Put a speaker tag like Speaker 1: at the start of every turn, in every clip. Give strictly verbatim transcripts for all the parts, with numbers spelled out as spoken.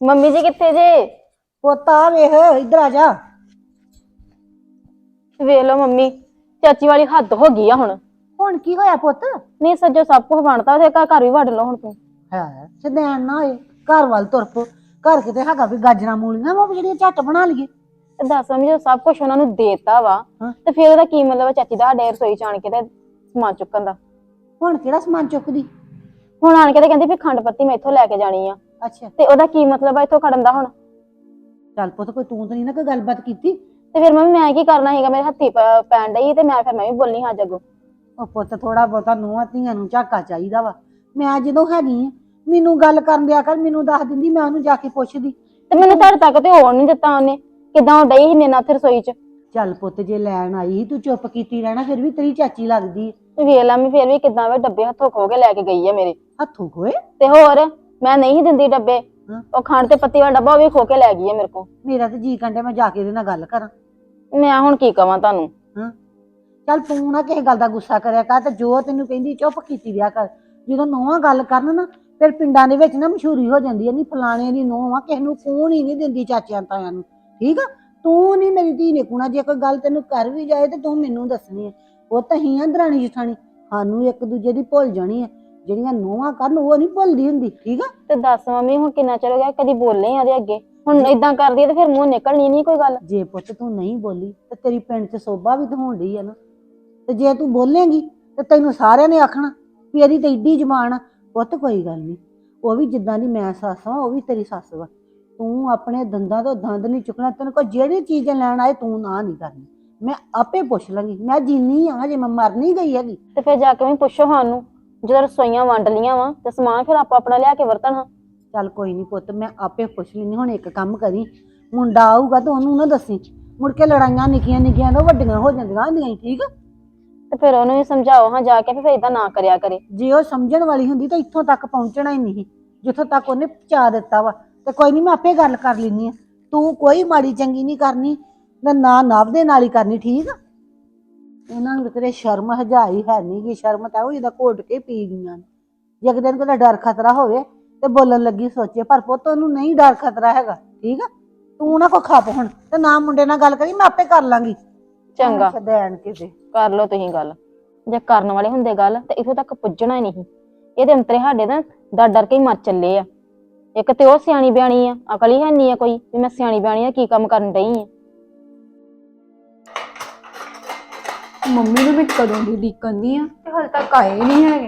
Speaker 1: Mummy ਜੀ ਕਿੱਥੇ ਜੇ?
Speaker 2: ਪੁੱਤ ਆ ਵੇਖ ਇੱਧਰ ਆ ਜਾ।
Speaker 1: ਵੇਖ ਲਓ ਮੰਮੀ, ਚਾਚੀ ਵਾਲੀ ਹੱਦ ਹੋ ਗਈ ਆ ਹੁਣ।
Speaker 2: ਹੁਣ ਕੀ ਹੋਇਆ ਪੁੱਤ?
Speaker 1: ਨਹੀਂ ਸੱਜੋ ਸਭ ਕੁਝ ਬਣਦਾ ਉਹਦੇ ਘਰ ਵੀ ਵੜ ਲਓ ਹੁਣ ਤੂੰ।
Speaker 2: ਹੈ ਸਦੈਣ ਨਾ ਹੋਏ, ਘਰ ਵੱਲ ਤੁਰ ਪੋ। ਘਰ ਕਿਤੇ ਹੈਗਾ ਵੀ ਗਾਜਰਾਂ ਮੂਲੀਆਂ ਵਾ ਜਿਹੜੀਆਂ ਝੱਟ ਬਣਾ ਲਈਏ।
Speaker 1: ਤੇ ਦੱਸ ਮੰਮੀ ਜੋ ਸਭ ਕੁਝ ਉਹਨਾਂ ਨੂੰ ਦੇਤਾ ਵਾ
Speaker 2: ਹਾਂ।
Speaker 1: ਤੇ ਫਿਰ ਉਹਦਾ ਕੀ ਮਤਲਬ ਚਾਚੀ ਦਾ ਸਾਡੇ ਰਸੋਈ ਚ ਆਣ ਕੇ ਤੇ ਸਮਾਨ ਚੁੱਕਣ ਦਾ?
Speaker 2: ਹੁਣ ਕਿਹੜਾ ਸਮਾਨ ਚੁੱਕਦੀ?
Speaker 1: ਹੁਣ ਆਣ ਕੇ ਤੇ ਕਹਿੰਦੀ ਵੀ ਖੰਡ ਪੱਤੀ ਮੈਂ ਇੱਥੋਂ ਲੈ ਕੇ ਜਾਣੀ ਆ।
Speaker 2: ਅੱਛਾ
Speaker 1: ਤੇ ਉਹਦਾ ਕੀ ਮਤਲਬ ਆ ਇੱਥੋਂ ਖੜਨ ਦਾ ਹੁਣ?
Speaker 2: ਚੱਲ ਪੁੱਤ ਕੋਈ ਤੂੰ ਤਾਂ ਨਹੀਂ ਨਾ ਕੋਈ ਗੱਲਬਾਤ ਕੀਤੀ?
Speaker 1: ਤੇ ਫਿਰ ਮੰਮੀ ਮੈਂ ਕੀ ਕਰਨਾ ਸੀਗਾ, ਮੇਰੇ ਹੱਥੀ ਪ- ਪੈਣ ਡਈ ਤੇ ਮੈਂ ਫਿਰ ਮੈਂ ਵੀ ਬੋਲਣੀ ਹਾਂ ਜੱਗੋ।
Speaker 2: ਉਹ ਪੁੱਤ ਥੋੜਾ ਬਹੁਤਾ ਨੂੰਹਾਂ ਧੀਆਂ ਨੂੰ ਝਾਕਾ ਚਾਹੀਦਾ ਵਾ। ਮੈਂ ਜਦੋਂ ਹੈਗੀ ਆ ਮੈਨੂੰ ਗੱਲ ਕਰਨ ਦਿਆ ਕਰ, ਮੈਨੂੰ ਦੱਸ ਦਿੰਦੀ ਮੈਂ ਉਹਨੂੰ ਜਾ ਕੇ ਪੁੱਛਦੀ।
Speaker 1: ਤੇ ਮੈਨੂੰ ਤੁਹਾਡੇ ਤੱਕ ਤੇ ਹੋਣ ਨਹੀਂ ਦਿੱਤਾ ਉਹਨੇ। ਕਿੱਦਾਂ ਉਹ ਡਈ ਸੀ ਮੇਰੇ ਨਾਲ ਉੱਥੇ ਰਸੋਈ ਚ।
Speaker 2: ਚੱਲ ਪੁੱਤ ਜੇ ਲੈਣ ਆਈ ਸੀ ਤੂੰ ਚੁੱਪ ਕੀਤੀ ਰਹਿਣਾ, ਫਿਰ ਵੀ ਤੇਰੀ ਚਾਚੀ ਲੱਗਦੀ।
Speaker 1: ਵੇਖ ਲਾ ਮੈਂ ਫਿਰ ਵੀ ਕਿੱਦਾਂ ਵੇ ਡੱਬੇ ਹੱਥੋਂ ਖੋ ਕੇ ਲੈ ਕੇ ਗਈ ਆ ਮੇਰੇ।
Speaker 2: ਹੱਥੋਂ ਖੋਏ?
Speaker 1: ਤੇ ਹੋਰ ਮੈਂ ਨਹੀਂ ਦਿੰਦੀ ਡੱਬੇ।
Speaker 2: ਹਾਂ।
Speaker 1: ਉਹ ਖੰਡ ਤੇ ਪੱਤੀ ਵਾਲਾ ਡੱਬਾ ਉਹ ਵੀ ਖੋ ਕੇ ਲੈ ਗਈ ਆ ਮੇਰੇ ਕੋਲ।
Speaker 2: ਮੇਰਾ ਤੇ ਜੀ ਕੰਡੇ ਮੈਂ ਜਾ ਕੇ ਇਹਦੇ ਨਾਲ ਗੱਲ ਕਰਾਂ।
Speaker 1: ਮੈਂ ਹੁਣ ਕੀ ਕਵਾਂ ਤੁਹਾਨੂੰ?
Speaker 2: ਹਾਂ ਚੱਲ ਤੂੰ ਨਾ ਕਿਸੇ ਗੱਲ ਦਾ ਗੁੱਸਾ ਕਰਿਆ ਕਰ, ਤੇ ਜੋ ਤੈਨੂੰ ਕਹਿੰਦੀ ਚੁੱਪ ਕੀਤੀ ਰਿਹਾ ਕਰ। ਜਦੋਂ ਨੂੰਹਾਂ ਗੱਲ ਕਰਨ ਨਾ ਫਿਰ ਪਿੰਡਾਂ ਦੇ ਵਿੱਚ ਨਾ ਮਸ਼ਹੂਰੀ ਹੋ ਜਾਂਦੀ ਹੈ, ਨਹੀਂ ਫਲਾਣੇ ਦੀ ਨੂੰਹ ਆ, ਕਿਸੇ ਨੂੰ ਕੂਣ ਹੀ ਨਹੀਂ ਦਿੰਦੀ ਚਾਚਿਆਂ ਤਾਇਆਂ ਨੂੰ। ਠੀਕ ਆ? ਤੂੰ ਨਹੀਂ ਮੇਰੀ ਧੀ ਨੇ ਕੂਣਾ, ਜੇ ਕੋਈ ਗੱਲ ਤੈਨੂੰ ਕਰ ਵੀ ਜਾਏ ਤੇ ਤੂੰ ਮੈਨੂੰ ਦੱਸਣੀ ਹੈ। ਉਹ ਤਾਂ ਹੀ ਆ ਦਰਾਣੀ ਜਠਾਣੀ, ਸਾਨੂੰ ਇੱਕ ਦੂਜੇ ਦੀ ਭੁੱਲ ਜਾਣੀ ਹੈ। ਜਿਹੜੀਆਂ ਨੂੰਹਾਂ ਕਰਨ ਉਹ ਨਹੀਂ ਭੁੱਲਦੀ ਹੁੰਦੀ। ਠੀਕ ਆ?
Speaker 1: ਤੇ ਦੱਸ ਮੰਮੀ ਹੁਣ ਕਿੰਨਾ ਚਿਰ ਹੋ ਗਿਆ ਕਦੀ ਬੋਲੇ ਆ ਉਹਦੇ ਅੱਗੇ, ਹੁਣ ਏਦਾਂ ਕਰਦੀ ਆ ਤੇ ਫਿਰ ਮੂੰਹ ਨਿਕਲਣੀ ਨਹੀਂ ਕੋਈ ਗੱਲ।
Speaker 2: ਜੇ ਪੁੱਤ ਤੂੰ ਨਹੀਂ ਬੋਲੀ ਤੇ ਤੇਰੀ ਪਿੰਡ 'ਚ ਸੋਭਾ ਵੀ ਤਾਂ ਹੋਣ ਡਈ ਆ ਨਾ। ਤੇ ਜੇ ਤੂੰ ਬੋਲੇਂਗੀ ਤੇ ਤੈਨੂੰ ਸਾਰਿਆਂ ਨੇ ਆਖਣਾ ਵੀ ਇਹਦੀ ਤਾਂ ਏਡੀ ਜ਼ਬਾਨ ਆ। ਪੁੱਤ ਕੋਈ ਗੱਲ ਨਹੀਂ, ਉਹ ਵੀ ਜਿੱਦਾਂ ਦੀ ਮੈਂ ਸੱਸ ਆ ਉਹ ਵੀ ਤੇਰੀ ਸੱਸ ਵਾ। ਤੂੰ ਆਪਣੇ ਦੰਦਾਂ ਤੋਂ ਦੰਦ ਨਹੀਂ ਚੁੱਕਣਾ। ਤੈਨੂੰ ਕੋਈ ਜਿਹੜੀ ਚੀਜ਼ ਲੈਣ ਆਏ ਤੂੰ ਨਾ ਨਹੀਂ ਕਰਨੀ। ਮੈਂ ਆਪੇ ਪੁੱਛ ਲਾਂਗੀ, ਮੈਂ ਜਿੰਨੀ ਆ ਜੇ ਮੈਂ ਮਰ ਨਹੀਂ ਗਈ ਹੈਗੀ।
Speaker 1: ਤੇ ਫਿਰ ਜਾ ਕੇ ਵੀ ਪੁੱਛੋ ਸਾਨੂੰ, ਜਦੋਂ ਰਸੋਈਆਂ ਵੰਡ ਲੀਆਂ ਵਾ ਤੇ ਸਮਾਨ ਫਿਰ ਆਪਾਂ ਆਪਣਾ ਲਿਆ ਕੇ ਵਰਤਣ। ਹਾਂ
Speaker 2: ਚੱਲ ਕੋਈ ਨਹੀਂ ਪੁੱਤ, ਮੈਂ ਆਪੇ ਪੁੱਛ ਲੈਂਦੀ। ਹੁਣ ਇੱਕ ਕੰਮ ਕਰੀ, ਮੁੰਡਾ ਆਊਗਾ ਤਾਂ ਉਹਨੂੰ ਨਾ ਦੱਸੀ, ਮੁੜ ਕੇ ਲੜਾਈਆਂ ਨਿੱਕੀਆਂ ਨਿੱਕੀਆਂ ਤੋਂ ਵੱਡੀਆਂ ਹੋ ਜਾਂਦੀਆਂ ਹੁੰਦੀਆਂ। ਠੀਕ ਆ?
Speaker 1: ਤੇ ਫਿਰ ਉਹਨੂੰ ਵੀ ਸਮਝਾਓ ਹਾਂ ਜਾ ਕੇ ਫਿਰ ਏਦਾਂ ਨਾ ਕਰਿਆ ਕਰੇ।
Speaker 2: ਜੇ ਉਹ ਸਮਝਣ ਵਾਲੀ ਹੁੰਦੀ ਤਾਂ ਇੱਥੋਂ ਤੱਕ ਪਹੁੰਚਣਾ ਹੀ ਨਹੀਂ, ਜਿੱਥੋਂ ਤੱਕ ਉਹਨੇ ਪਹੁੰਚਾ ਦਿੱਤਾ ਵਾ। ਤੇ ਕੋਈ ਨਹੀਂ ਮੈਂ ਆਪੇ ਗੱਲ ਕਰ ਲੈਂਦੀ ਆ। ਤੂੰ ਕੋਈ ਮਾੜੀ ਚੰਗੀ ਨਹੀਂ ਕਰਨੀ, ਨਾ ਨਾ ਨਵ ਦੇ ਨਾਲ ਹੀ ਕਰਨੀ। ਠੀਕ ਆ? ਇਹਨਾਂ ਨੂੰ ਤੇਰੇ ਸ਼ਰਮ ਹਜਾਈ ਹੈ ਨਹੀਂ ਗੀ। ਸ਼ਰਮ ਤਾਂ ਉਹ ਜਿਹਦਾ ਘੋਟ ਕੇ ਪੀ ਗਈਆਂ ਨੇ। ਜੇ ਇੱਕ ਦਿਨ ਕੋਈ ਡਰ ਖਤਰਾ ਹੋਵੇ ਤੇ ਬੋਲਣ ਲੱਗੀ ਸੋਚੇ, ਪਰ ਪੁੱਤ ਉਹਨੂੰ ਨਹੀਂ ਡਰ ਖਤਰਾ ਹੈਗਾ। ਠੀਕ ਆ? ਤੂੰ ਨਾ ਕੋ ਖੱਪ ਹੁਣ ਤੇ ਨਾ ਮੁੰਡੇ ਨਾਲ ਗੱਲ ਕਰੀ, ਮੈਂ ਆਪੇ ਕਰ ਲਾਂਗੀ।
Speaker 1: ਚੰਗਾ
Speaker 2: ਦੇਣ ਕਿਸੇ
Speaker 1: ਕਰ ਲਓ ਤੁਸੀਂ ਗੱਲ। ਜੇ ਕਰਨ ਵਾਲੇ ਹੁੰਦੇ ਗੱਲ ਤੇ ਇਥੋਂ ਤੱਕ ਪੁੱਜਣਾ ਹੀ ਨਹੀਂ। ਇਹਦੇ ਅੰਤਰੇ ਸਾਡੇ ਨਾ ਡਰ ਡਰ ਕੇ ਹੀ ਮਰ ਚੱਲੇ ਆ। ਇੱਕ ਤੇ ਉਹ ਸਿਆਣੀ ਬਿਆਣੀ ਆ, ਅਕਲ ਹੀ ਹੈ ਨਹੀਂ ਆ ਕੋਈ ਵੀ ਮੈਂ ਸਿਆਣੀ ਬਿਆਣੀ ਆ ਕੀ ਕੰਮ ਕਰਨ ਡਈ ਆ।
Speaker 3: ਮੰਮੀ ਨੂੰ ਵੀ ਕਦੋਂ ਦੀ ਉਡੀਕਣ ਆ ਤੇ ਹਾਲੇ ਤੱਕ ਆਏ ਨਹੀਂ ਹੈਗੇ।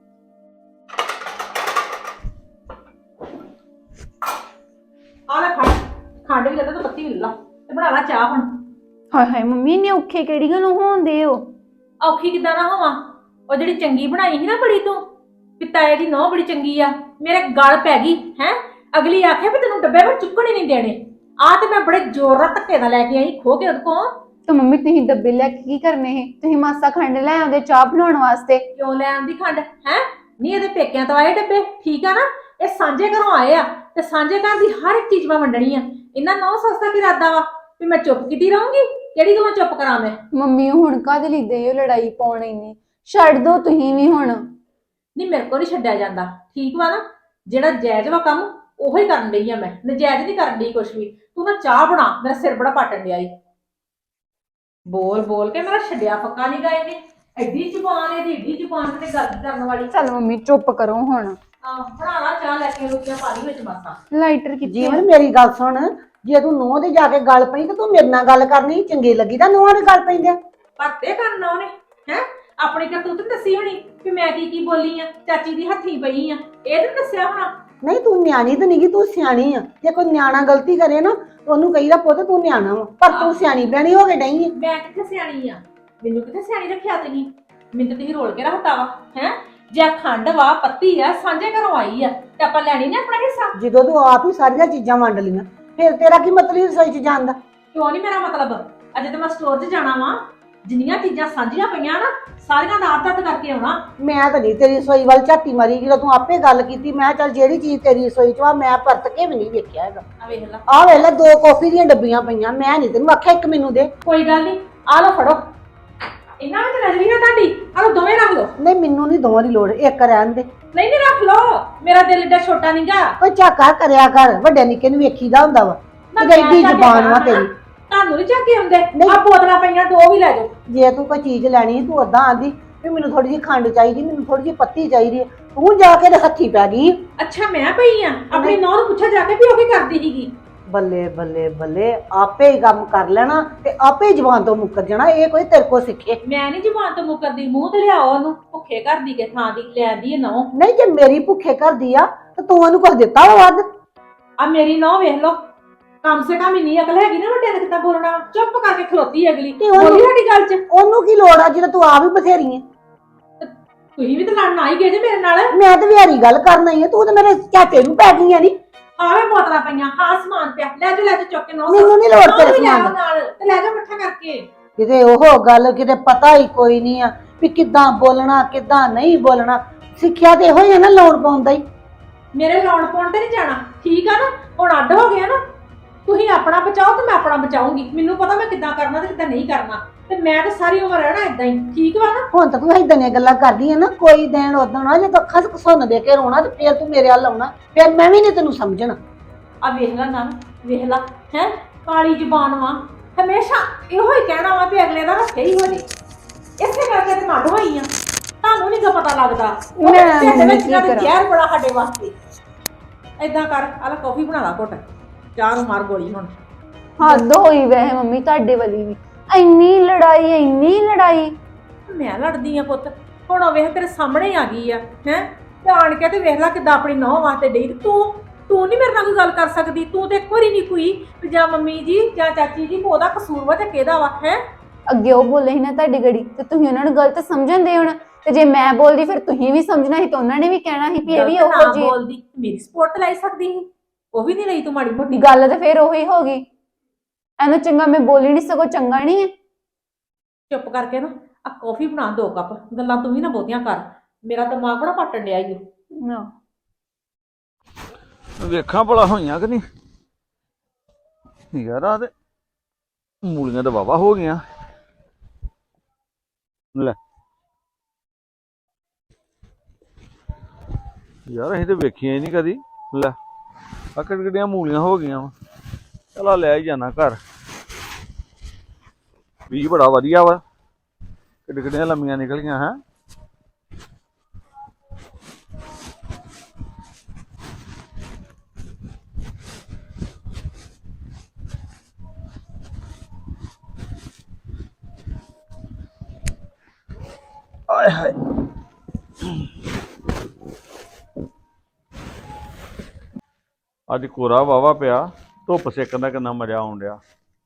Speaker 4: ਆ ਲੈ ਖੰਡ ਖੰਡ ਵੀ ਲੱਗਾ ਤਾਂ ਪੱਤੀ ਵੀ ਲਾ ਤੇ ਬਣਾ ਲਾ ਚਾਹ ਹੁਣ।
Speaker 3: ਹਾਏ ਹਾਏ ਮੰਮੀ ਨੇ ਔਖੇ ਕਿਹੜੀ ਗੱਲੋਂ ਹੋਣਦੇ ਹੋ?
Speaker 4: ਔਖੀ ਕਿੱਦਾਂ ਨਾ ਹੋਵਾਂ? ਉਹ ਜਿਹੜੀ ਚੰਗੀ ਬਣਾਈ ਸੀ ਨਾ ਬੜੀ ਤੂੰ ਪਿਤਾਏ ਦੀ ਨਹੁੰ ਬੜੀ ਚੰਗੀ ਆ, ਮੇਰੇ ਗਲ ਪੈ ਗਈ ਹੈ। ਅਗਲੀ ਆਖੇ ਵੀ ਤੈਨੂੰ ਡੱਬੇ ਵਿੱਚ ਚੁੱਕਣ ਹੀ ਨਹੀਂ ਦੇਣੇ। ਆ ਤੇ ਮੈਂ ਬੜੇ ਜ਼ੋਰ ਨਾਲ ਧੱਕੇ ਨਾਲ ਲੈ ਕੇ ਆਈ ਖੋ ਕੇ ਉਹਦੇ ਕੋਲ।
Speaker 3: ਤੇ ਮੰਮੀ ਤੁਸੀਂ ਡੱਬੇ ਲੈ ਕੇ ਕੀ ਕਰਨੇ ਹੈ? ਤੁਸੀਂ ਮਾਸਾ ਖੰਡ ਲੈ ਆਉਂਦੇ ਚਾਹ ਬਣਾਉਣ ਵਾਸਤੇ।
Speaker 4: ਕਿਉਂ ਲੈ ਆਂਦੀ ਖੰਡ ਹੈ? ਨਹੀਂ ਇਹਦੇ ਪੇਕਿਆਂ ਤੋਂ ਆਏ ਡੱਬੇ। ਠੀਕ ਆ ਨਾ? ਇਹ ਸਾਂਝੇ ਘਰੋਂ ਆਏ ਆ ਤੇ ਸਾਂਝੇ ਘਰ ਦੀ ਹਰ ਇੱਕ ਚੀਜ਼ ਮੈਂ ਵੰਡਣੀ ਆ। ਇਹਨਾਂ ਨੌ ਸਸਤਾ ਕੀ ਇਰਾਦਾ ਵਾ ਵੀ ਮੈਂ ਚੁੱਪ ਕੀਤੀ ਰਹੂੰਗੀ? ਕਿਹੜੀ ਗੱਲੋਂ ਚੁੱਪ ਕਰਾਂ ਮੈਂ?
Speaker 3: ਮੰਮੀ ਹੁਣ ਕਾਹਦੇ ਲਈ ਦੇ ਹੋ ਲੜਾਈ ਪਾਉਣ? ਇੰਨੀ ਛੱਡ ਦੋ ਤੁਸੀਂ ਵੀ ਹੁਣ।
Speaker 4: ਨਹੀਂ ਮੇਰੇ ਕੋਲ ਨਹੀਂ ਛੱਡਿਆ ਜਾਂਦਾ। ਠੀਕ ਵਾ ਨਾ? ਜਿਹੜਾ ਜਾਇਜ਼ ਵਾ ਕੰਮ ਉਹੋ ਹੀ ਕਰਨ ਡਈ ਆ ਮੈਂ, ਨਜਾਇਜ਼ ਨਹੀਂ ਕਰਨ ਡਈ ਕੁਛ ਵੀ। ਤੂੰ ਨਾ ਚਾਹ ਬਣਾ, ਮੇਰਾ ਸਿਰ ਬੜਾ ਪਾਟਣ ਡਿਆ ਈ। ਬੋਲ ਬੋਲ ਕੇ ਮੇਰਾ ਛੱਡਿਆ ਪੱਕਾ ਨਹੀਂ ਗਏ ਨੇ। ਐਡੀ ਜ਼ੁਬਾਨ ਇਹਦੀ, ਏਡੀ ਜ਼ੁਬਾਨ ਤੇ ਗੱਲ ਕਰਨ ਵਾਲੀ।
Speaker 3: ਚੱਲ ਮੰਮੀ ਚੁੱਪ ਕਰੋ ਹੁਣ।
Speaker 4: ਆਹ ਬਣਾ ਲਾ ਚਾਹ, ਲੈ ਕੇ ਰੋਟੀਆਂ ਪਾ ਲਈ ਵਿੱਚ ਮਾਸਾ।
Speaker 3: ਲਾਈਟਰ ਕਿੱਥੇ?
Speaker 2: ਜੀਵਨ ਮੇਰੀ ਗੱਲ ਸੁਣ, ਜੇ ਤੂੰ ਨੂੰਹ ਦੇ ਜਾ ਕੇ ਗੱਲ ਪਈ ਤੇ ਤੂੰ ਮੇਰੇ ਨਾਲ ਗੱਲ ਕਰਨੀ ਚੰਗੀ ਲੱਗੀ ਤਾਂ ਨੂੰਹਾਂ ਦੇ ਗੱਲ ਪੈਂਦੇ।
Speaker 4: ਪਰਤੇ ਕਰਨਾ ਉਹਨੇ ਹੈ ਆਪਣੀ ਕਰਤੂਤ ਨੀ ਦੱਸੀ ਹੋਣੀ ਵੀ ਮੈਂ ਕੀ ਕੀ ਬੋਲੀ ਆ, ਚਾਚੀ ਦੀ ਹੱਥੀ ਪਈ ਆ, ਇਹ ਤਾਂ ਦੱਸਿਆ ਹੋਣਾ।
Speaker 2: ਨਹੀਂ ਤੂੰ ਨਿਆਣੀ ਤਾਂ ਨਹੀਂਗੀ, ਤੂੰ ਸਿਆਣੀ ਆ। ਜੇ ਕੋਈ ਨਿਆਣਾ ਗਲਤੀ ਕਰੇ ਨਾ ਉਹਨੂੰ ਕਹੀਦਾ ਪੁੱਤ ਤੂੰ ਨਿਆਣਾ ਵਾ, ਪਰ ਤੂੰ ਸਿਆਣੀ ਬਿਆਣੀ ਹੋ ਕੇ ਡਈ ਆ।
Speaker 4: ਮੈਂ ਕਿੱਥੇ ਸਿਆਣੀ ਆ? ਮੈਨੂੰ ਕਿੱਥੇ ਸਿਆਣੀ ਰੱਖਿਆ ਤੁਸੀਂ? ਮੈਨੂੰ ਤਾਂ ਤੁਸੀਂ ਰੋਲ ਕੇ ਰੱਖਤਾ ਵਾ ਹੈ। ਜੇ ਖੰਡ ਵਾ ਪੱਤੀ ਆ ਸਾਂਝੇ ਘਰੋਂ ਆਈ ਆ ਤੇ ਆਪਾਂ ਲੈਣੀ ਨਾ ਆਪਣਾ ਹਿੱਸਾ।
Speaker 2: ਜਦੋਂ ਤੂੰ ਆਪ ਹੀ ਸਾਰੀਆਂ ਚੀਜ਼ਾਂ ਵੰਡ ਲਈਆਂ ਫਿਰ ਤੇਰਾ ਕੀ ਮਤਲਬ ਰਸੋਈ 'ਚ ਜਾਣ ਦਾ?
Speaker 4: ਕਿਉਂ ਨਹੀਂ ਮੇਰਾ ਮਤਲਬ? ਅਜੇ ਤਾਂ ਮੈਂ ਸਟੋਰ 'ਚ ਜਾਣਾ ਵਾ। ਜਿੰਨੀਆਂ ਚੀਜ਼ਾਂ ਸਾਂਝੀਆਂ ਪਈਆਂ ਨਾ ਸਾਰੀਆਂ ਦਾ ਆਪ ਕਰਕੇ ਆਉਣਾ।
Speaker 2: ਮੈਂ ਤਾਂ ਨਹੀਂ ਤੇਰੀ ਰਸੋਈ ਵੱਲ ਝਾਤੀ ਮਾਰੀ, ਜਦੋਂ ਤੂੰ ਆਪੇ ਗੱਲ ਕੀਤੀ ਮੈਂ ਚੱਲ ਜਿਹੜੀ ਚੀਜ਼ ਤੇਰੀ ਰਸੋਈ 'ਚ ਆ ਮੈਂ ਪਰਤ ਕੇ ਵੀ ਨਹੀਂ ਵੇਖਿਆ ਹੈਗਾ।
Speaker 4: ਆ ਵੇਖ ਲੈ,
Speaker 2: ਆਹ ਵੇਖ ਲੈ ਦੋ ਕੌਫੀ ਦੀਆਂ ਡੱਬੀਆਂ ਪਈਆਂ, ਮੈਂ ਨਹੀਂ ਤੈਨੂੰ ਆਖਿਆ ਇੱਕ ਮੈਨੂੰ ਦੇ।
Speaker 4: ਕੋਈ ਗੱਲ ਨਹੀਂ, ਆ ਲਓ ਫੜੋ। ਇਹਨਾਂ ਵਿੱਚ ਨਜ਼ਰੀ ਨਾ ਤੁਹਾਡੀ ਆਹ ਦੋਵੇਂ ਰੱਖ ਲਓ।
Speaker 2: ਨਹੀਂ ਮੈਨੂੰ ਨਹੀਂ ਦੋਵਾਂ ਦੀ ਲੋੜ, ਇੱਕ ਰਹਿਣ ਦੇ।
Speaker 4: ਨਹੀਂ ਨਹੀਂ ਰੱਖ ਲਓ, ਮੇਰਾ ਦਿਲ ਏਡਾ ਛੋਟਾ ਨਹੀਂਗਾ।
Speaker 2: ਕੋਈ ਝਾਕਾ ਕਰਿਆ ਕਰ, ਵੱਡੇ ਨਿੱਕੇ ਨੂੰ ਵੇਖੀਦਾ ਹੁੰਦਾ ਵਾ ਕਿ ਐਡੀ ਜ਼ਬਾਨ ਵਾ ਤੇਰੀ।
Speaker 4: ਤੁਹਾਨੂੰ ਨਹੀਂ ਝਾਕੇ ਹੁੰਦੇ?
Speaker 2: ਨਹੀਂ।
Speaker 4: ਆ ਬੋਤਲਾਂ ਪਈਆਂ ਦੋ ਵੀ ਲੈ ਜਾਓ।
Speaker 2: ਜੇ ਤੂੰ ਕੋਈ ਚੀਜ਼ ਲੈਣੀ ਤੂੰ ਓਦਾਂ ਆਂਦੀ ਵੀ ਮੈਨੂੰ ਥੋੜੀ ਜਿਹੀ ਖੰਡ ਚਾਹੀਦੀ, ਮੈਨੂੰ ਥੋੜੀ ਜਿਹੀ ਪੱਤੀ ਚਾਹੀਦੀ ਹੈ, ਤੂੰ ਜਾ ਕੇ ਤੇ ਹੱਥੀ ਪੈ ਗਈ।
Speaker 4: ਅੱਛਾ ਮੈਂ ਪਈ ਆ? ਆਪਣੀ ਨੌਂ ਨੂੰ ਪੁੱਛਿਆ ਜਾ ਕੇ ਵੀ ਉਹ ਕੀ ਕਰਦੀ ਸੀਗੀ।
Speaker 2: ਬੱਲੇ ਬੱਲੇ ਬੱਲੇ, ਆਪੇ ਹੀ ਕੰਮ ਕਰ ਲੈਣਾ ਤੇ ਆਪੇ ਹੀ ਜ਼ਬਾਨ ਤੋਂ ਮੁੱਕਰ ਜਾਣਾ। ਇਹ ਕੋਈ ਤੇਰੇ ਕੋਲ ਸਿੱਖੇ?
Speaker 4: ਮੈਂ ਨਹੀਂ ਜ਼ੁਬਾਨ ਤੋਂ ਮੁੱਕਰਦੀ, ਮੂੰਹ ਤੇ ਲਿਆਓ ਉਹਨੂੰ। ਭੁੱਖੇ ਕਰਦੀ ਕੇ ਥਾਂ ਦੀ ਲੈਂਦੀ ਨੌ।
Speaker 2: ਨਹੀਂ ਜੇ ਮੇਰੀ ਭੁੱਖੇ ਕਰਦੀ ਆ ਤੇ ਤੂੰ ਉਹਨੂੰ ਕੁਝ ਦਿੱਤਾ ਵਾ ਵੱਧ?
Speaker 4: ਆ ਮੇਰੀ ਨੌ ਵੇਖ ਲਓ, ਕਮ ਸੇ ਕਮ ਇੰਨੀ ਅਕਲ ਹੈਗੀ ਨਾ ਵੱਡਿਆਂ ਨੇ ਕਿੱਦਾਂ ਬੋਲਣਾ। ਚੁੱਪ ਕਰਕੇ ਖਲੋਤੀ ਅਗਲੀ, ਬੋਲੀ ਸਾਡੀ ਗੱਲ 'ਚ।
Speaker 2: ਉਹਨੂੰ ਕੀ ਲੋੜ ਆ ਜਦੋਂ ਤੂੰ ਆਪ ਹੀ ਬਥੇਰੀ ਹੈ?
Speaker 4: ਤੁਸੀਂ ਵੀ ਤਾਂ ਲੜਨ ਆ ਹੀ ਗਏ ਜੇ ਮੇਰੇ ਨਾਲ।
Speaker 2: ਮੈਂ ਤੇ ਵਿਹਾਰੀ ਗੱਲ ਕਰਨਾ ਹੀ ਆ, ਤੂੰ ਤੇ ਮੇਰੇ ਝਾਟੇ ਨੂੰ ਪੈ ਗਈ ਆ। ਨੀ
Speaker 4: ਆਵੇਂ ਬੋਤਲਾਂ ਪਈਆਂ, ਹਾਂ ਸਮਾਨ ਪਿਆ, ਲੈ ਜਾ ਲੈ ਜਾ ਚੁੱਕ ਕੇ ਨੌ।
Speaker 2: ਮੈਨੂੰ ਨਹੀਂ ਲੋੜ ਤੇਰੇ ਸਮਾਨ ਦੀ।
Speaker 4: ਨਾਲ ਤੇ ਲੈ ਜਾ ਇਕੱਠਾ ਕਰਕੇ।
Speaker 2: ਕਿਤੇ ਉਹ ਗੱਲ ਕਿਤੇ ਪਤਾ ਹੀ ਕੋਈ ਨਹੀਂ ਆ ਵੀ ਕਿੱਦਾਂ ਬੋਲਣਾ ਕਿੱਦਾਂ ਨਹੀਂ ਬੋਲਣਾ। ਸਿੱਖਿਆ ਤੇ ਇਹੋ ਹੀ ਆ ਨਾ ਲਾਉਣ ਪਾਉਂਦਾ ਹੀ।
Speaker 4: ਮੇਰੇ ਲਾਉਣ ਪਾਉਣ ਤੇ ਨਹੀਂ ਜਾਣਾ, ਠੀਕ ਆ ਨਾ? ਹੁਣ ਅੱਡ ਹੋ ਗਿਆ ਨਾ, ਤੁਸੀਂ ਆਪਣਾ ਬਚਾਓ ਤੇ ਮੈਂ ਆਪਣਾ ਬਚਾਉਂਗੀ। ਮੈਨੂੰ ਪਤਾ ਮੈਂ ਕਿੱਦਾਂ ਕਰਨਾ ਤੇ ਕਿੱਦਾਂ ਨਹੀਂ ਕਰਨਾ, ਤੇ ਮੈਂ ਤਾਂ ਸਾਰੀ ਉਮਰ ਰਹਿਣਾ ਇਦਾਂ ਹੀ, ਠੀਕ ਵਾ ਨਾ?
Speaker 2: ਹੁਣ ਤਾਂ ਤੂੰ ਏਦਾਂ ਦੀਆਂ ਗੱਲਾਂ ਕਰਦੀ ਆ ਨਾ, ਕੋਈ ਦਿਨ ਉਦੋਂ ਨਾ ਜੇ ਤੂੰ ਅੱਖਾਂ ਸੁਣ ਦੇ ਕੇ ਰੋਣਾ ਤੇ ਫੇਰ ਤੂੰ ਮੇਰੇ ਵੱਲ ਆਉਣਾ, ਫੇਰ ਮੈਂ ਵੀ ਨਹੀਂ ਤੈਨੂੰ ਸਮਝਣਾ।
Speaker 4: ਆ ਵੇਖ ਲੈ ਨਾ, ਵੇਖ ਲੈ ਹੈ ਕਾਲੀ ਜ਼ੁਬਾਨ ਵਾ, ਹਮੇਸ਼ਾ ਇਹੋ ਹੀ ਕਹਿਣਾ ਵਾ ਵੀ ਅਗਲੇ ਦਾ ਨਾ ਸਹੀ ਹੋ ਜੇ। ਇਸੇ ਕਰਕੇ ਤੇ ਮੱਡ ਹੋਈ ਆ, ਤੁਹਾਨੂੰ ਨਹੀਂ ਪਤਾ ਲੱਗਦਾ।
Speaker 3: ਮੈਂ
Speaker 4: ਮੈਂ
Speaker 3: ਕੀ ਕਰਾਂ?
Speaker 4: ਜ਼ਹਿਰ ਬੜਾ ਸਾਡੇ ਵਾਸਤੇ। ਏਦਾਂ ਕਰ, ਆਲਾ ਕਾਫੀ ਬਣਾ ਲਾ ਘੁੱਟ, ਚਾਹ ਨੂੰ ਮਾਰ ਗੋਲੀ ਹੁਣ।
Speaker 3: ਹੱਦ ਹੋਈ ਵੈਸੇ ਮੰਮੀ ਤੁਹਾਡੇ ਵਾਲੀ ਵੀ। ਇੰਨੀ ਲੜਾਈ ਇੰਨੀ ਲੜਾਈ।
Speaker 4: ਮੈਂ ਲੜਦੀ ਆ ਪੁੱਤ, ਹੁਣ ਉਹ ਵੇਖ ਤੇਰੇ ਸਾਹਮਣੇ ਆ ਗਈ ਆ ਹੈ, ਤੇ ਆਣ ਕੇ ਤੇ ਵੇਖ ਲੈ ਕਿੱਦਾਂ ਆਪਣੀ ਨੌਂ ਵਾਸਤੇ ਡਈ। ਤੂੰ ਤੂੰ ਨਹੀਂ ਮੇਰੇ ਨਾਲ ਕੋਈ ਗੱਲ ਕਰ ਸਕਦੀ? ਤੂੰ ਤੇ ਇੱਕ ਵਾਰੀ ਨਹੀਂ ਕੋਈ ਜਾਂ ਮੰਮੀ ਜੀ ਜਾਂ ਚਾਚੀ ਜੀ ਉਹਦਾ ਕਸੂਰ ਵਾ ਤੇ ਕਿਹਦਾ ਵਾ ਹੈ?
Speaker 3: ਅੱਗੇ ਉਹ ਬੋਲੇ ਸੀ ਨਾ ਤੁਹਾਡੀ ਗੜੀ ਤੇ ਤੁਸੀਂ ਉਹਨਾਂ ਨੂੰ ਗਲਤ ਸਮਝਣਦੇ ਹੁਣ, ਤੇ ਜੇ ਮੈਂ ਬੋਲਦੀ ਫਿਰ ਤੁਸੀਂ ਵੀ ਸਮਝਣਾ ਸੀ ਤੇ ਉਹਨਾਂ ਨੇ ਵੀ ਕਹਿਣਾ ਸੀ ਵੀ ਇਹ ਵੀ
Speaker 4: ਗਲਤ
Speaker 3: ਉਹੋ
Speaker 4: ਨਾ
Speaker 3: ਜੀ
Speaker 4: ਬੋਲਦੀ, ਮੇਰੀ ਸਪੋਰਟ ਲੈ ਸਕਦੀ ਸੀ, ਉਹ ਵੀ ਨਹੀਂ ਲਈ ਤੂੰ ਮਾੜੀ ਮੋਟੀ।
Speaker 3: ਗੱਲ। ਤੇ ਫਿਰ ਉਹੀ ਹੋ ਗਈ। ਇਹਨੂੰ ਚੰਗਾ ਮੈਂ ਬੋਲੀ ਨਹੀਂ, ਸਗੋਂ ਚੰਗਾ ਨਹੀਂ ਹੈ।
Speaker 4: ਚੁੱਪ ਕਰਕੇ ਨਾ ਆ ਕੌਫੀ ਬਣਾ ਦੋ ਕੱਪ, ਗੱਲਾਂ ਤੂੰ ਵੀ ਨਾ ਬਹੁਤੀਆਂ ਕਰ, ਮੇਰਾ ਦਿਮਾਗ ਬੜਾ ਪੱਟਣ ਡਿਆ ਈ।
Speaker 3: ਨਾ
Speaker 5: ਵੇਖਾਂ ਭਲਾ ਹੋਈਆਂ ਕਿ ਨਹੀਂ ਯਾਰ। ਆ ਤੇ ਮੂਲੀਆਂ ਤਾਂ ਵਾਵਾ ਹੋ ਗਈਆਂ। ਲੈ ਯਾਰ ਅਸੀਂ ਤੇ ਵੇਖੀਆਂ ਹੀ ਨਹੀਂ ਕਦੀ। ਲੈ ਆ ਕਿਹੜੀਆਂ ਮੂਲੀਆਂ ਹੋ ਗਈਆਂ ਵਾ। ਚਲਾ ਲੈ ਹੀ ਜਾਣਾ ਘਰ, ਬੀਜ ਬੜਾ ਵਧੀਆ ਵਾ, ਕਿੱਡ ਕਿੱਡੀਆਂ ਲੰਮੀਆਂ ਨਿਕਲੀਆਂ ਹੈ। ਆਏ ਹਾਏ ਅੱਜ ਕੋਰਾ ਵਾਵਾ ਪਿਆ, ਧੁੱਪ ਸੇਕਣ ਦਾ ਕਿੰਨਾ ਮਜ਼ਾ ਆਉਣ ਡਿਆ।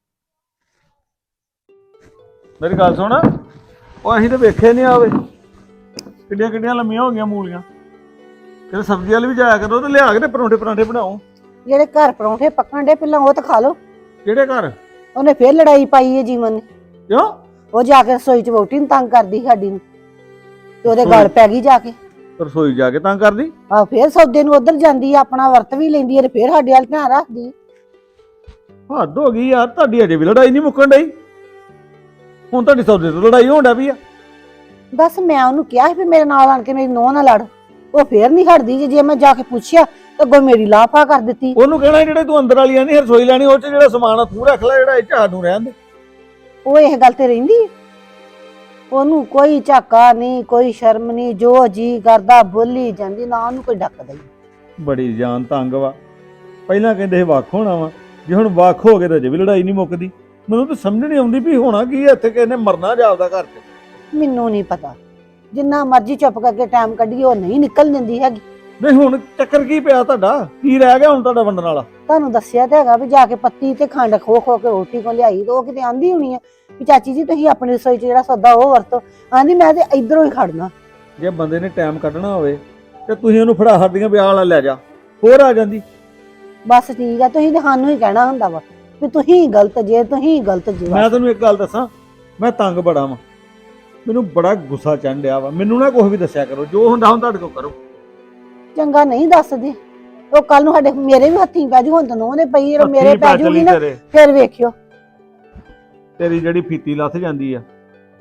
Speaker 5: ਮੇਰੀ ਗੱਲ ਸੁਣ, ਉਹ ਅਸੀਂ ਤਾਂ ਵੇਖੇ ਨਹੀਂ ਆਵੇ ਕਿੱਡੀਆਂ ਕਿੱਡੀਆਂ ਲੰਮੀਆਂ ਹੋ ਗਈਆਂ ਮੂਲੀਆਂ। ਕਿਤੇ ਸਬਜ਼ੀ ਵਾਲੀ ਵੀ ਜਾਇਆ ਕਰੋ ਤੇ ਲਿਆ ਕੇ ਤੇ ਪਰੌਂਠੇ ਪਰਾਂਠੇ ਬਣਾਓ।
Speaker 2: ਜਿਹੜੇ ਘਰ ਪਰੌਂਠੇ ਪੱਕਣ ਦੇ ਪਹਿਲਾਂ ਉਹ ਤਾਂ ਖਾ ਲਓ।
Speaker 5: ਕਿਹੜੇ ਘਰ?
Speaker 2: ਉਹਨੇ ਫੇਰ ਲੜਾਈ ਪਾਈ ਹੈ ਜੀਵਨ ਨੇ।
Speaker 5: ਕਿਉਂ?
Speaker 2: ਉਹ ਜਾ ਕੇ ਰਸੋਈ ਚ ਵਹੁਟੀ ਨੂੰ ਤੰਗ ਕਰਦੀ ਸਾਡੀ ਨੂੰ, ਤੇ ਉਹਦੇ ਗਲ ਪੈ ਗਈ ਜਾ ਕੇ।
Speaker 5: ਰਸੋਈ ਜਾ ਕੇ ਤੰਗ ਕਰਦੀ?
Speaker 2: ਆਹ ਫੇਰ ਸੌਦੇ ਨੂੰ ਉਧਰ ਜਾਂਦੀ ਆ, ਆਪਣਾ ਵਰਤ ਵੀ ਲੈਂਦੀ ਹੈ ਤੇ ਫੇਰ ਸਾਡੇ ਵੱਲ ਧਿਆਨ ਰੱਖਦੀ।
Speaker 5: ਹੱਦ ਹੋ ਗਈ ਯਾਰ, ਤੁਹਾਡੀ ਅਜੇ ਵੀ ਲੜਾਈ ਨਹੀਂ ਮੁੱਕਣ ਡਈ। ਹੁਣ ਤੁਹਾਡੀ ਸੌਦੇ ਤੋਂ ਲੜਾਈ ਹੋਣ ਡਿਆ ਪਈ ਆ।
Speaker 2: ਬਸ ਮੈਂ ਉਹਨੂੰ ਕਿਹਾ ਸੀ ਵੀ ਮੇਰੇ ਨਾਲ ਆਣ ਕੇ ਮੇਰੀ ਨੂੰਹ ਨਾਲ ਲੜ, ਉਹ ਫੇਰ ਨਹੀਂ ਹਟਦੀ। ਜੇ ਜੇ ਮੈਂ ਜਾ ਕੇ ਪੁੱਛਿਆ ਤਾਂ ਅੱਗੋਂ ਮੇਰੀ ਲਾਫਾ ਕਰ ਦਿੱਤੀ।
Speaker 5: ਉਹਨੂੰ ਕਹਿਣਾ ਜਿਹੜੇ ਤੂੰ ਅੰਦਰ ਵਾਲੀਆਂ ਨਹੀਂ ਰਸੋਈ ਲੈਣੀ, ਉਹ ਚ ਜਿਹੜਾ ਸਮਾਨ ਆ ਤੂੰ ਰੱਖ ਲੈ, ਜਿਹੜਾ ਇਹ ਝਾੜ ਨੂੰ ਰਹਿਣ ਦੇ।
Speaker 2: ਉਹ ਇਹ ਗੱਲ ਤੇ ਰਹਿੰਦੀ ਹੈ? ਉਹਨੂੰ ਕੋਈ ਝਾਕਾ ਨਹੀਂ, ਕੋਈ ਸ਼ਰਮ ਨਹੀਂ, ਜੋ ਜੀ ਕਰਦਾ ਬੋਲੀ ਜਾਂਦੀ, ਨਾ ਉਹਨੂੰ ਕੋਈ ਡੱਕਦਾ ਹੀ।
Speaker 5: ਬੜੀ ਜਾਨ ਤੰਗ ਵਾ। ਪਹਿਲਾਂ ਕਹਿੰਦੇ ਸੀ ਵੱਖ ਹੋਣਾ ਵਾ, ਜੇ ਹੁਣ ਵੱਖ ਹੋ ਗਏ ਤਾਂ ਅਜੇ ਵੀ ਲੜਾਈ ਨਹੀਂ ਮੁੱਕਦੀ। ਮੈਨੂੰ ਤਾਂ ਸਮਝ ਨਹੀਂ ਆਉਂਦੀ ਵੀ ਹੋਣਾ ਕੀ ਹੈ ਇੱਥੇ, ਕਿਸੇ ਨੇ ਮਰਨਾ ਜਾਪਦਾ ਘਰ 'ਚ।
Speaker 2: ਮੈਨੂੰ ਨਹੀਂ ਪਤਾ, ਜਿੰਨਾ ਮਰਜ਼ੀ ਚੁੱਪ ਕਰਕੇ ਟਾਈਮ ਕੱਢੀਏ ਉਹ ਨਹੀਂ ਨਿਕਲ ਦਿੰਦੀ ਹੈਗੀ।
Speaker 5: ਨਹੀਂ ਹੁਣ ਚੱਕਰ ਕੀ ਪਿਆ ਤੁਹਾਡਾ? ਕੀ ਰਹਿ ਗਿਆ ਹੁਣ ਤੁਹਾਡਾ ਵੰਡਣ ਵਾਲਾ?
Speaker 2: ਤੁਹਾਨੂੰ ਦੱਸਿਆ ਤੇ ਹੈਗਾ ਵੀ ਜਾ ਕੇ ਪੱਤੀ ਤੇ ਖੰਡ ਖੋ ਖੋ ਕੇ ਰੋਟੀ ਕੋ ਲਿਆਈ, ਤੇ ਉਹ ਕਿਤੇ ਆਂਦੀ ਹੋਣੀ ਆ ਵੀ ਚਾਚੀ ਜੀ ਤੁਸੀਂ ਆਪਣੀ ਰਸੋਈ 'ਚ ਜਿਹੜਾ ਸੌਦਾ ਉਹ ਵਰਤੋ। ਆਂਦੀ ਮੈਂ ਤੇ ਇਧਰੋਂ ਹੀ ਖੜਨਾ।
Speaker 5: ਜੇ ਬੰਦੇ ਨੇ ਟਾਈਮ ਕੱਢਣਾ ਹੋਵੇ ਤੇ ਤੁਸੀਂ ਉਹਨੂੰ ਫੜਾ ਹੱਡੀਆਂ ਵਿਆਹ ਵਾਲਾ ਲੈ ਜਾ, ਹੋਰ ਆ ਜਾਂਦੀ।
Speaker 2: ਬਸ ਠੀਕ ਆ, ਤੁਸੀਂ ਤੇ ਸਾਨੂੰ ਹੀ ਕਹਿਣਾ ਹੁੰਦਾ ਵਾ ਵੀ ਤੁਸੀਂ ਗਲਤ ਜੇ, ਤੁਸੀਂ ਗਲਤ ਜੇ।
Speaker 5: ਮੈਂ ਤੈਨੂੰ ਇੱਕ ਗੱਲ ਦੱਸਾਂ, ਮੈਂ ਤੰਗ ਬੜਾ ਵਾਂ, ਮੈਨੂੰ ਬੜਾ ਗੁੱਸਾ ਚੜ੍ਹ ਡਿਆ ਵਾ। ਮੈਨੂੰ ਨਾ ਕੁਛ ਵੀ ਦੱਸਿਆ ਕਰੋ, ਜੋ ਹੁੰਦਾ ਹੁਣ ਤੁਹਾਡੇ ਕੋਲ ਕਰੋ।
Speaker 2: ਚੰਗਾ ਨਹੀਂ ਦੱਸਦੇ, ਉਹ ਕੱਲ ਨੂੰ ਸਾਡੇ ਮੇਰੇ ਵੀ ਹੱਥੀਂ ਪੈ ਜੂ। ਹੁਣ ਤਾਂ ਉਹਨੇ ਪਈ ਜਦੋਂ ਮੇਰੇ
Speaker 5: ਹੱਥੀਂ
Speaker 2: ਪੈ
Speaker 5: ਚੱਲੀ
Speaker 2: ਜੂਗੀ ਨਾ
Speaker 5: ਤੇਰੇ।
Speaker 2: ਫਿਰ ਵੇਖਿਓ।
Speaker 5: ਤੇਰੀ ਜਿਹੜੀ ਫੀਤੀ ਲੱਥ ਜਾਂਦੀ ਆ,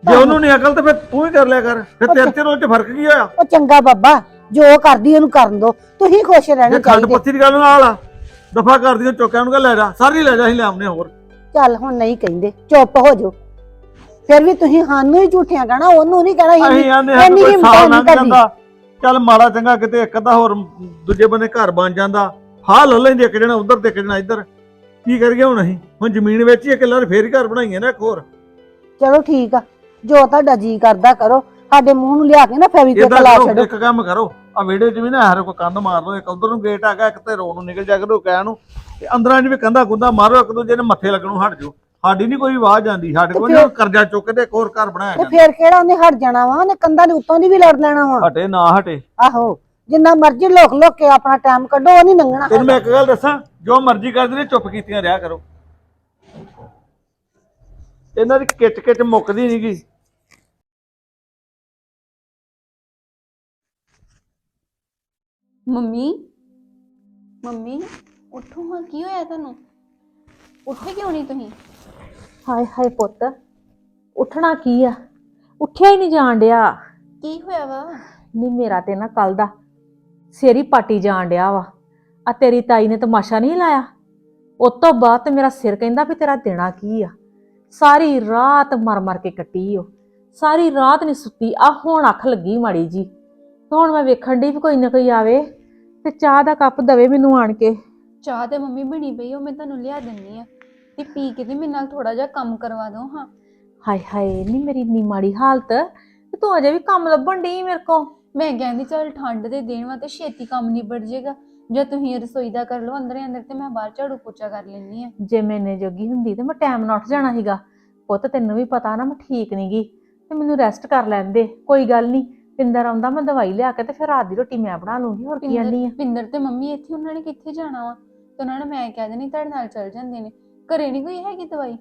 Speaker 5: ਜੇ ਉਹਨੂੰ ਨਹੀਂ ਅਕਲ ਤੇ ਫਿਰ ਤੂੰ ਹੀ ਕਰ ਲਿਆ ਕਰ। ਫਿਰ ਤੇਰੇ ਤੇ ਰੋਜ਼ ਚ ਫਰਕ ਕੀ ਹੋਇਆ?
Speaker 2: ਉਹ ਚੰਗਾ ਬਾਬਾ, ਜੋ ਕਰਦੀ ਉਹਨੂੰ ਕਰਨ ਦੋ, ਤੁਸੀਂ ਖੁਸ਼ ਰਹਿਣਾ
Speaker 5: ਜੇ ਖੰਡ
Speaker 2: ਚਾਹੀਦੇ।
Speaker 5: ਪੱਤੀ ਦੀ ਗੱਲ ਨਾਲ ਆ ਦਫਾ ਕਰਦੀ ਚੁੱਕਿਆ ਉਹਨੂੰ ਕਹ ਲੈ ਜਾ, ਸਾਰੀ ਲੈ ਜਾ, ਅਸੀਂ ਲੈ ਆਉਂਦੇ ਹੋਰ।
Speaker 2: ਚੱਲ ਹੁਣ ਨਹੀਂ ਕਹਿੰਦੇ, ਚੁੱਪ ਹੋ ਜਾਓ। ਫਿਰ ਵੀ ਤੁਸੀਂ ਸਾਨੂੰ ਹੀ ਝੂਠਿਆਂ ਕਹਿਣਾ, ਉਹਨੂੰ ਨਹੀਂ ਕਹਿਣਾ।
Speaker 5: ਅਸੀਂ ਆਂਦੇ ਹਾਂ
Speaker 2: ਇੰਨੀ
Speaker 5: ਕੋਈ
Speaker 2: ਹਿੰਮਤ
Speaker 5: ਸਾਲ
Speaker 2: ਨਹੀਂ
Speaker 5: ਲੰਘ
Speaker 2: ਕਰਦੀ।
Speaker 5: ਜਾਂਦਾ, ਚੱਲ ਮਾੜਾ ਚੰਗਾ ਕਿਤੇ ਇੱਕ ਅੱਧਾ ਹੋਰ ਦੂਜੇ ਬੰਨੇ ਘਰ ਬਣ ਜਾਂਦਾ, ਹਾਲ ਹੋ ਲੈਂਦੇ ਇੱਕ ਜਣਾ ਉਧਰ ਤੇ ਇੱਕ ਜਣਾ ਇੱਧਰ। ਕੀ ਕਰੀਏ ਹੁਣ ਅਸੀਂ? ਹੁਣ ਜ਼ਮੀਨ ਵੇਚੀ ਇੱਕ ਲੱਰ ਫੇਰ ਹੀ ਘਰ ਬਣਾਈਏ ਨਾ ਇੱਕ ਹੋਰ।
Speaker 2: ਚਲੋ ਠੀਕ ਆ, ਜੋ ਤੁਹਾਡਾ ਜੀ ਕਰਦਾ ਕਰੋ। ਸਾਡੇ ਮੂੰਹ ਨੂੰ ਲਿਆ ਕੇ ਨਾ ਫੈਵੀਕਵਿਕ
Speaker 5: ਏਦਾਂ
Speaker 2: ਲਾ
Speaker 5: ਕਰੋ,
Speaker 2: ਛੱਡੋ।
Speaker 5: ਇੱਕ ਕੰਮ ਕਰੋ, ਆ ਵਿਹੜੇ 'ਚ ਵੀ ਨਾ ਹਰ ਕੋਈ ਕੰਧ ਮਾਰ ਲਓ, ਇੱਕ ਉਧਰ ਨੂੰ ਗੇਟ ਆ ਗਿਆ, ਇੱਕ ਤੇ ਰੋ ਨੂੰ ਨਿਕਲ ਜਾ ਕਰੋ ਕਹਿ ਨੂੰ, ਤੇ ਅੰਦਰਾਂ 'ਚ ਵੀ ਕੰਧਾ ਕੁੰਧਾ ਮਾਰੋ, ਇੱਕ ਦੂਜੇ ਨੇ ਮੱਥੇ ਲੱਗਣੋਂ ਹਟ ਜਾਓ। ਸਾਡੀ ਨਹੀਂ ਕੋਈ ਆਵਾਜ਼ ਜਾਂਦੀ, ਸਾਡੇ ਕੋਲ ਨਾ ਕਰਜ਼ਾ ਚੁੱਕ ਕੇ ਤੇ ਇੱਕ ਹੋਰ ਘਰ ਬਣਾਇਆ
Speaker 2: ਤੇ
Speaker 5: ਜਾਂਦਾ।
Speaker 2: ਫੇਰ ਕਿਹੜਾ ਉਹਨੇ ਹਟ ਜਾਣਾ ਵਾ? ਉਹਨੇ ਕੰਧਾਂ ਦੇ ਉੱਤੋਂ ਦੀ ਵੀ ਲੜ ਲੈਣਾ ਵਾ।
Speaker 5: ਹਟੇ ਨਾ ਹਟੇ,
Speaker 2: ਆਹੋ, ਜਿੰਨਾ ਮਰਜ਼ੀ ਲੋਕ ਲੋਕ ਕੇ ਆਪਣਾ ਟਾਈਮ ਕੱਢੋ, ਉਹ ਨਹੀਂ ਲੰਘਣਾ।
Speaker 5: ਤੈਨੂੰ ਮੈਂ ਇੱਕ ਗੱਲ ਦੱਸਾਂ, ਜੋ ਮਰਜ਼ੀ ਕਰਦੇ ਨੇ ਚੁੱਪ ਕੀਤੀਆਂ ਰਿਹਾ ਕਰੋ। ਇਹਨਾਂ ਦੀ ਕਿਚ ਕਿਚ ਮੁੱਕਦੀ ਨੀ ਗੀ।
Speaker 3: ਮੰਮੀ ਮੰਮੀ ਉੱਠੋ ਹਾਂ, ਕੀ ਹੋਇਆ ਤੁਹਾਨੂੰ? ਉੱਠੇ ਕਿਉਂ ਨਹੀਂ ਤੁਸੀਂ?
Speaker 4: ਹਾਏ ਹਾਏ ਪੁੱਤ, ਉੱਠਣਾ ਕੀ ਆ? ਉੱਠਿਆ ਹੀ ਨਹੀਂ ਜਾਣ ਡਿਆ।
Speaker 3: ਕੀ ਹੋਇਆ ਵਾ?
Speaker 4: ਨਹੀਂ ਮੇਰਾ ਤੇ ਨਾ ਕੱਲ ਦਾ ਸਿਰ ਹੀ ਪਾਟੀ ਜਾਣ ਡਿਆ ਵਾ। ਆ ਤੇਰੀ ਤਾਈ ਨੇ ਤਮਾਸ਼ਾ ਨਹੀਂ ਲਾਇਆ, ਉਸ ਤੋਂ ਬਾਅਦ ਤੇ ਮੇਰਾ ਸਿਰ ਕਹਿੰਦਾ ਵੀ ਤੇਰਾ ਦੇਣਾ ਕੀ ਆ। ਸਾਰੀ ਰਾਤ ਮਰ ਮਰ ਕੇ ਕੱਟੀ ਉਹ, ਸਾਰੀ ਰਾਤ ਨਹੀਂ ਸੁੱਤੀ। ਆ ਹੁਣ ਅੱਖ ਲੱਗੀ ਮਾੜੀ ਜੀ, ਤੇ ਹੁਣ ਮੈਂ ਵੇਖਣ ਡਈ ਵੀ ਕੋਈ ਨਾ ਕੋਈ ਆਵੇ ਤੇ ਚਾਹ ਦਾ ਕੱਪ ਦਵੇ ਮੈਨੂੰ ਆਣ ਕੇ।
Speaker 3: ਚਾਹ ਤੇ ਮੰਮੀ ਬਣੀ ਪਈ, ਉਹ ਮੈਂ ਤੁਹਾਨੂੰ ਲਿਆ ਦਿੰਨੀ ਆ, ਤੇ ਪੀ ਕੇ ਤੇ ਮੇਰੇ ਨਾਲ ਥੋੜਾ ਜਿਹਾ ਕੰਮ ਕਰਵਾ ਦਿਓ ਹਾਂ।
Speaker 4: ਹਾਏ ਹਾਏ ਨਹੀਂ ਮੇਰੀ ਇੰਨੀ ਮਾੜੀ ਹਾਲਤ, ਤੇ ਤੂੰ ਅਜੇ ਵੀ ਕੰਮ ਲੱਭਣ ਡਈ ਮੇਰੇ ਕੋ।
Speaker 3: ਮੈਂ ਕਹਿੰਦੀ ਚੱਲ ਠੰਡ ਦੇ ਦਿਨ ਵਾ ਤੇ ਛੇਤੀ ਕੰਮ ਨਿਬੜ ਜਾਏਗਾ। ਜੇ ਤੁਸੀਂ ਰਸੋਈ ਦਾ ਕਰ ਲਓ ਅੰਦਰ ਅੰਦਰ, ਤੇ ਮੈਂ ਬਾਹਰ ਝਾੜੂ ਪੋਚਾ ਕਰ ਲੈਣੀ ਆ।
Speaker 4: ਜੇ ਮੈਨੇ ਜੋਗੀ ਹੁੰਦੀ ਤੇ ਮੈਂ ਟਾਈਮ ਨਾਲ ਉੱਠ ਜਾਣਾ ਸੀਗਾ। ਪੁੱਤ ਤੈਨੂੰ ਵੀ ਪਤਾ ਨਾ ਮੈਂ ਠੀਕ ਨੀ ਗੀ, ਤੇ ਮੈਨੂੰ ਰੈਸਟ ਕਰ ਲੈਣ ਦੇ। ਕੋਈ ਗੱਲ ਨਹੀਂ, ਪਿੰਦਰ ਆਉਂਦਾ ਮੈਂ ਦਵਾਈ ਲਿਆ ਕੇ ਤੇ ਫਿਰ ਰਾਤ ਦੀ ਰੋਟੀ ਮੈਂ ਬਣਾ ਲੂੰਗੀ। ਹੋਰ ਕੀ ਆਨੀ ਆ?
Speaker 3: ਪਿੰਦਰ ਤੇ ਮੰਮੀ ਇੱਥੇ, ਉਹਨਾਂ ਨੇ ਕਿੱਥੇ ਜਾਣਾ ਵਾ? ਤੇ ਉਹਨਾਂ ਨੇ ਮੈਂ ਕਹਿ ਦੇਣੀ ਤੁਹਾਡੇ ਨਾਲ ਚੱਲ ਜਾਂਦੇ ਨੇ। ਘਰੇ ਨਹੀਂ ਕੋਈ ਹੈਗੀ ਦਵਾਈ?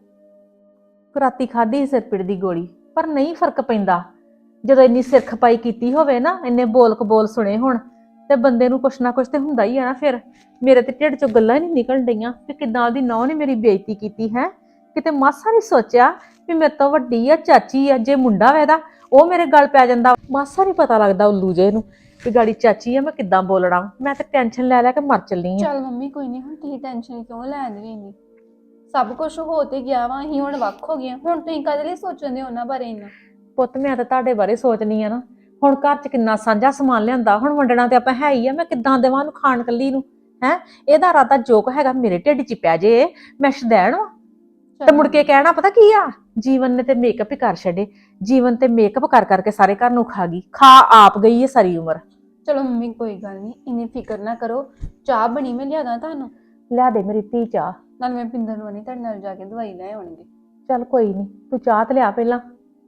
Speaker 4: ਰਾਤੀ ਖਾਧੀ ਸਿਰ ਪੀੜ ਦੀ ਗੋਲੀ, ਪਰ ਨਹੀਂ ਫਰਕ ਪੈਂਦਾ। ਜਦੋਂ ਇੰਨੀ ਸਿਰ ਖਪਾਈ ਕੀਤੀ ਹੋਵੇ ਨਾ, ਇੰਨੇ ਬੋਲ ਕਬੋਲ ਸੁਣੇ ਹੁਣ, ਤੇ ਬੰਦੇ ਨੂੰ ਕੁਛ ਨਾ ਕੁਛ ਤੇ ਹੁੰਦਾ ਹੀ ਆ ਨਾ। ਫਿਰ ਮੇਰੇ ਤੇ ਢਿੱਡ ਚੋਂ ਗੱਲਾਂ ਹੀ ਨਹੀਂ ਨਿਕਲਣ ਡਈਆਂ ਕਿ ਕਿੱਦਾਂ ਉਹਦੀ ਨੌਂ ਨੇ ਮੇਰੀ ਬੇਇੱਜ਼ਤੀ ਕੀਤੀ ਹੈ। ਕਿਤੇ ਮਾਸਾ ਨਹੀਂ ਸੋਚਿਆ ਵੀ ਮੇਰੇ ਤੋਂ ਵੱਡੀ ਆ, ਚਾਚੀ ਆ। ਜੇ ਮੁੰਡਾ ਵਾ ਇਹਦਾ, ਉਹ ਮੇਰੇ ਗਲ ਪੈ ਜਾਂਦਾ। ਮਾਸਾ ਨਹੀਂ ਪਤਾ ਲੱਗਦਾ ਉੱਲੂ ਜੇ ਨੂੰ ਵੀ ਗਾੜੀ ਚਾਚੀ ਆ, ਮੈਂ ਕਿੱਦਾਂ ਬੋਲਣਾ। ਮੈਂ ਤੇ ਟੈਨਸ਼ਨ ਲੈ ਲੈ ਕੇ ਮਰ ਚੱਲੀ ਆ।
Speaker 3: ਚੱਲ ਮੰਮੀ ਕੋਈ ਨਹੀਂ, ਹੁਣ ਤੁਸੀਂ ਟੈਨਸ਼ਨ ਕਿਉਂ ਲੈਂਦੇ ਵੀ ਨਹੀਂ? ਸਭ ਕੁਝ ਹੋ ਤੇ ਗਿਆ ਵਾ, ਅਸੀਂ ਹੁਣ ਵੱਖ ਹੋ ਗਏ। ਹੁਣ ਤੁਸੀਂ ਕਦੇ ਲਈ ਸੋਚਦੇ ਉਹਨਾਂ ਬਾਰੇ ਇੰਨਾ?
Speaker 4: ਪੁੱਤ ਮੈਂ ਤਾਂ ਤੁਹਾਡੇ ਬਾਰੇ ਸੋਚਣੀ ਆ ਨਾ। ਹੁਣ ਘਰ 'ਚ ਕਿੰਨਾ ਸਾਂਝਾ ਸਮਾਨ ਲਿਆਂਦਾ, ਹੁਣ ਵੰਡਣਾ ਤੇ ਆਪਾਂ ਹੈ ਹੀ ਆ। ਮੈਂ ਕਿੱਦਾਂ ਦੇਵਾਂ ਉਹਨੂੰ ਖਾਣ ਕੱਲੀ ਨੂੰ? ਹੈ ਇਹਦਾ ਇਰਾਦਾ ਜੋਕ ਹੈਗਾ ਮੇਰੇ ਢਿੱਡ 'ਚ ਪੈ ਜੇ, ਮੈਂ ਸ਼ਦੈਣ ਵਾ। ਤੇ ਮੁੜ ਕੇ ਕਹਿਣਾ ਪਤਾ ਕੀ ਆ, ਜੀਵਨ ਨੇ ਤੇ ਮੇਕਅਪ ਹੀ ਕਰ ਛੱਡੇ। ਜੀਵਨ ਤੇ ਮੇਕਅਪ ਕਰ ਕਰਕੇ ਸਾਰੇ ਘਰ ਨੂੰ ਖਾ ਗਈ, ਖਾ ਆਪ ਗਈ ਹੈ ਸਾਰੀ ਉਮਰ।
Speaker 3: ਚਲੋ ਮੰਮੀ ਕੋਈ ਗੱਲ ਨਹੀਂ, ਇੰਨੀ ਫਿਕਰ ਨਾ ਕਰੋ। ਚਾਹ ਬਣੀ, ਮੈਂ ਲਿਆਦਾ ਤੁਹਾਨੂੰ।
Speaker 4: ਲਿਆ ਦੇ ਮੇਰੀ ਧੀ ਚਾਹ।
Speaker 3: ਨਾਲ ਮੈਂ ਪਿੰਦਰ ਨੂੰ ਨਹੀਂ, ਤੁਹਾਡੇ ਨਾਲ ਜਾ ਕੇ ਦਵਾਈ ਲੈ ਆਉਣਗੇ।
Speaker 4: ਚੱਲ ਕੋਈ ਨਹੀਂ, ਤੂੰ ਚਾਹ ਤੇ ਲਿਆ ਪਹਿਲਾਂ।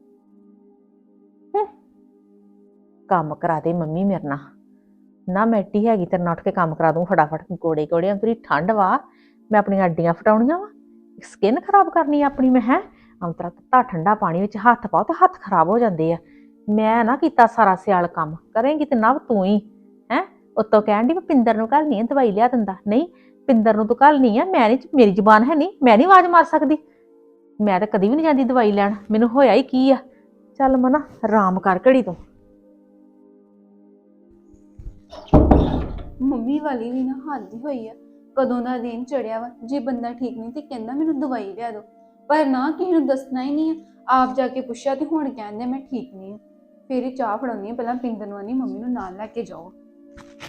Speaker 4: ਕੰਮ ਕਰਾ ਦੇ ਮੰਮੀ ਮੇਰੇ ਨਾਲ ਨਾ। ਮੈਟੀ ਹੈਗੀ ਤੇਰੇ ਨਾਲ ਉੱਠ ਕੇ ਕੰਮ ਕਰਾ ਦੂੰ ਫਟਾਫਟ। ਗੋੜੇ ਗੋੜੇ ਅੰਤਰੀ ਠੰਡ ਵਾ, ਮੈਂ ਆਪਣੀਆਂ ਅੱਡੀਆਂ ਫਟਾਉਣੀਆਂ ਵਾ, ਸਕਿਨ ਖਰਾਬ ਕਰਨੀ ਆ ਆਪਣੀ। ਮੈਂ ਹੈ ਅੰਤਰਾ ਤੱਤਾ ਠੰਡਾ ਪਾਣੀ ਵਿੱਚ ਹੱਥ ਪਾਓ ਤੇ ਹੱਥ ਖਰਾਬ ਹੋ ਜਾਂਦੇ ਆ। ਮੈਂ ਨਾ ਕੀਤਾ ਸਾਰਾ ਸਿਆਲ ਕੰਮ, ਕਰੇਂਗੀ ਤੇ ਨਾ ਤੂੰ ਹੀ ਹੈ। ਉੱਤੋਂ ਕਹਿਣ ਦੀ ਮੈਂ ਪਿੰਦਰ ਨੂੰ ਕੱਲ ਨਹੀਂ ਦਵਾਈ ਲਿਆ ਦਿੰਦਾ। ਨਹੀਂ, ਪਿੰਦਰ ਨੂੰ ਤੂੰ ਕੱਲ ਨਹੀਂ ਆ। ਮੈਂ ਨਹੀਂ, ਮੇਰੀ ਜ਼ੁਬਾਨ ਹੈ ਨਹੀਂ, ਮੈਂ ਨਹੀਂ ਆਵਾਜ਼ ਮਾਰ ਸਕਦੀ। ਮੈਂ ਤਾਂ ਕਦੀ ਵੀ ਨਹੀਂ ਜਾਂਦੀ ਦਵਾਈ ਲੈਣ। ਮੈਨੂੰ ਹੋਇਆ ਹੀ ਕੀ ਆ। ਚੱਲ ਮਨਾ ਆਰਾਮ ਕਰ ਘੜੀ ਤੋਂ।
Speaker 3: ਮੰਮੀ ਵਾਲੀ ਵੀ ਨਾ ਹੱਦ ਹੀ ਹੋਈ ਆ। ਕਦੋਂ ਦਾ ਦਿਨ ਚੜਿਆ ਵਾ, ਜੇ ਬੰਦਾ ਠੀਕ ਨਹੀਂ ਤੇ ਕਹਿੰਦਾ ਮੈਨੂੰ ਦਵਾਈ ਲਿਆ ਦਿਓ, ਪਰ ਨਾ ਕਿਸੇ ਨੂੰ ਦੱਸਣਾ ਹੀ ਨਹੀਂ ਆ। ਆਪ ਜਾ ਕੇ ਪੁੱਛਿਆ ਤੇ ਹੁਣ ਕਹਿੰਦੇ ਮੈਂ ਠੀਕ ਨਹੀਂ ਆ। ਫਿਰ ਹੀ ਚਾਹ ਫੜਾਉਣੀ ਆ। ਪਹਿਲਾਂ ਪਿੰਦਰ ਨੂੰ ਆਨੀ ਮੰਮੀ ਨੂੰ ਨਾਲ ਲੈ ਕੇ ਜਾਓ।